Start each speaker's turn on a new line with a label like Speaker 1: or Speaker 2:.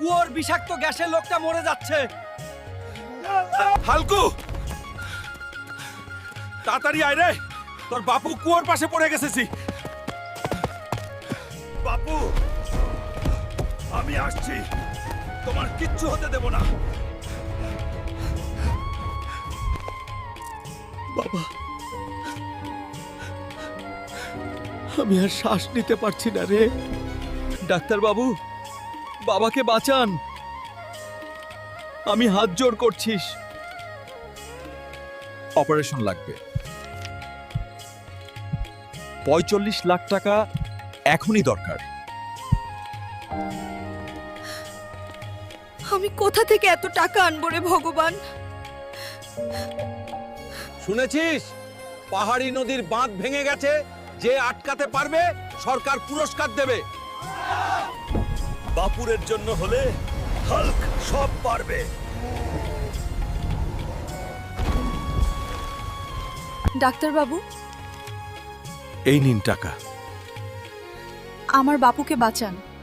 Speaker 1: কুয়োর বিষাক্ত গ্যাসে লোকটা মরে যাচ্ছে।
Speaker 2: হালকু, তাড়াতাড়ি আয় রে, তোর বাপু কুয়োর পাশে পড়ে গেছেছি। বাপু, আমি আসছি, তোমার কিচ্ছু হতে দেব না।
Speaker 1: বাবা, আমি আর শ্বাস নিতে পারছি না রে। ডাক্তার বাবু, বাবাকে বাঁচান, আমি হাত জোড় করছিস।
Speaker 2: অপারেশন লাগবে, ৪৫ লাখ টাকা এখনই দরকার।
Speaker 3: আমি কোথা থেকে এত টাকা আনবো রে ভগবান?
Speaker 4: শুনেছিস পাহাড়ি নদীর বাঁধ ভেঙে গেছে, যে আটকাতে পারবে সরকার পুরস্কার দেবে।
Speaker 2: বাপুরের জন্য হলে হাল্ক সব পারবে।
Speaker 3: ডাক্তার বাবু,
Speaker 2: এই নিন টাকা।
Speaker 3: আমার বাপুকে বাঁচান।